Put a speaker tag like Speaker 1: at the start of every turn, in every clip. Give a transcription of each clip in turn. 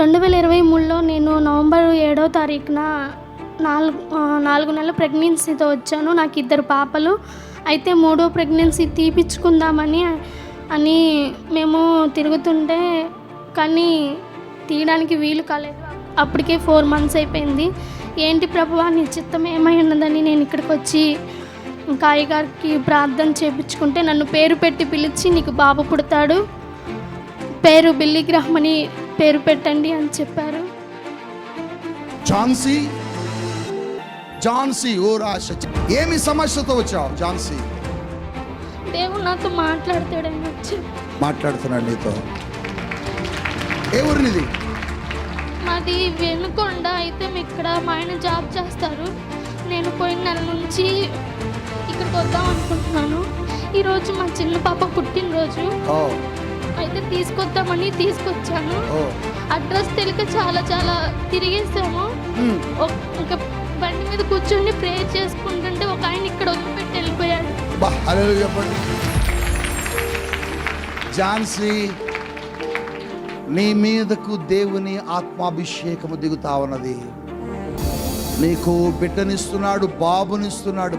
Speaker 1: 2023లో నేను నవంబర్ 7వ తారీఖున 4 నెలల ప్రెగ్నెన్సీతో వచ్చాను. నాకు 2 పాపలు. అయితే 3వ ప్రెగ్నెన్సీ తీపిచ్చుకుందామని మేము తిరుగుతుంటే కానీ తీయడానికి వీలు కాలేదు. అప్పటికే 4 months అయిపోయింది. ఏంటి ప్రభువా నీ చిత్తం ఏమై ఉన్నదని నేను ఇక్కడికి వచ్చి ఇంకా అయ్యగారికి ప్రార్థన చేయించుకుంటే నన్ను పేరు పెట్టి పిలిచి నీకు బాబు పుడతాడు, పేరు బిల్లీ గ్రహం అని పేరు పెట్టండి అని చెప్పారు.
Speaker 2: ఝాన్సీ ఓ రాశ ఏమి సమస్యతో వచ్చావు ఝాన్సీ?
Speaker 1: దేవుడు నాతో మాట్లాడతాడని వచ్చి
Speaker 2: మాట్లాడుతున్నాడు నీతో. ఏ ఊరినిది?
Speaker 1: మాది వెనుకొండ. అయితే ఇక్కడ మా ఆయన జాబ్ చేస్తారు. నేను పోయిన నెల నుంచి ఇక్కడికి వద్దాం అనుకుంటున్నాను. ఈరోజు మా చిన్న పాప పుట్టినరోజు. అయితే తీసుకొద్దామని తీసుకొచ్చాను. అడ్రస్ తెలియక చాలా తిరిగేసాము. ఇంకా బండి మీద కూర్చొని ప్రేయర్ చేసుకుంటుంటే ఒక ఆయన ఇక్కడ వదిలిపెట్టి వెళ్ళిపోయాడు.
Speaker 2: ఝాన్సీ, నీ మీదకు దేవుని ఆత్మాభిషేకము దిగుతా ఉన్నది. నీకు బిడ్డనిస్తున్నాడు, బాబునిస్తున్నాడు.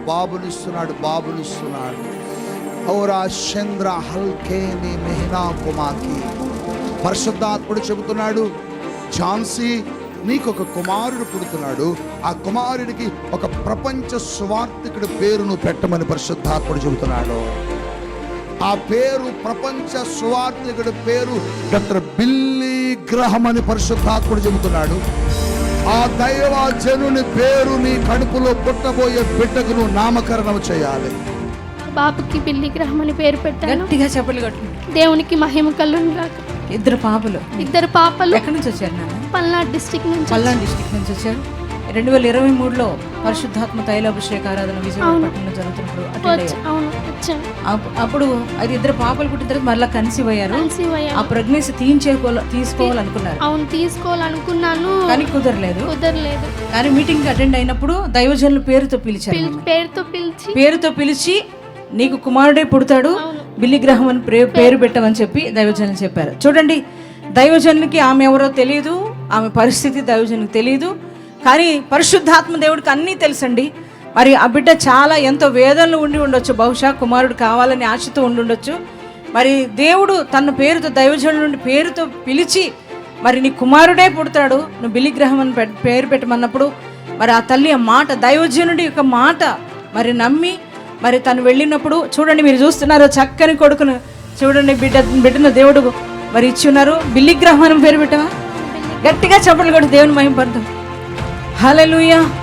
Speaker 2: ఔరా చంద్ర హల్కేని మెహనా కుమాకి. పరిశుద్ధాత్ముడు చెబుతున్నాడు, ఝాన్సీ నీకు ఒక కుమారుడు పుడుతున్నాడు. ఆ కుమారుడికి ఒక ప్రపంచ సువార్థికుడి పేరును పెట్టమని పరిశుద్ధాత్ముడు చెబుతున్నాడు. ఆ పేరు, ప్రపంచ సువార్థికుడి పేరు డాక్టర్ బిల్లీ గ్రహం అని పరిశుద్ధాత్ముడు చెబుతున్నాడు. ఆ దైవ జనుని పేరు నీ కడుపులో పుట్టబోయే బిడ్డకు నువ్వు నామకరణం చేయాలి.
Speaker 1: బాబుకి బిల్లీ గ్రహం అని పేరు పెట్టాను.
Speaker 3: గట్టిగా చెప్పలు కొట్టు.
Speaker 1: దేవునికి మహిమ కలుగును గాక.
Speaker 3: 2 పాపలు.
Speaker 1: 2 పాపలు.
Speaker 3: ఎక్కడి నుంచి వచ్చారు నాన్న?
Speaker 1: పల్నాడు డిస్ట్రిక్ట్ నుంచి
Speaker 3: వచ్చారు. 2023లో పరిశుద్ధాత్మ తైలాభిషేక ఆరాధన విజయవాడలో జరుగుతున్నప్పుడు అప్పుడు అది 2 పాపలు పుట్టిన తర్వాత మళ్ళీ కన్సీవ్ అయ్యారు. ఆ ప్రెగ్నెన్సీ తీసుకోవాలనుకున్నారు.
Speaker 1: అవును, తీసుకోవాలనుకున్నాను
Speaker 3: కానీ కుదరలేదు. కానీ మీటింగ్ అటెండ్ అయినప్పుడు దైవజనుల పేరుతో పిలిచి నీకు కుమారుడే పుడతాడు, బిల్లీ గ్రహం అని పేరు పెట్టమని చెప్పి దైవజనులు చెప్పారు. చూడండి, దైవజనులకి ఆమె ఎవరో తెలియదు, ఆమె పరిస్థితి దైవజనులకు తెలియదు. కానీ పరిశుద్ధాత్మ దేవుడికి అన్నీ తెలుసండి. మరి ఆ బిడ్డ చాలా ఎంతో వేదనలు ఉండి ఉండొచ్చు, బహుశా కుమారుడు కావాలని ఆశతో ఉండుండొచ్చు. మరి దేవుడు తన పేరుతో దైవజనుల నుండి పేరుతో పిలిచి మరి నీ కుమారుడే పుడతాడు, నువ్వు బిల్లీ గ్రహం అని పేరు పెట్టమన్నప్పుడు మరి ఆ తల్లి ఆ మాట, దైవజనుడి యొక్క మాట మరి నమ్మి మరి తను వెళ్ళినప్పుడు చూడండి, మీరు చూస్తున్నారు చక్కని కొడుకును చూడండి, బిడ్డను దేవుడు మరి ఇచ్చి ఉన్నారు. బిల్లీ గ్రహం అని పేరు పెట్టవా? గట్టిగా చెప్పలు కూడా దేవుని మహిమ పడతాం. హల్లెలూయా.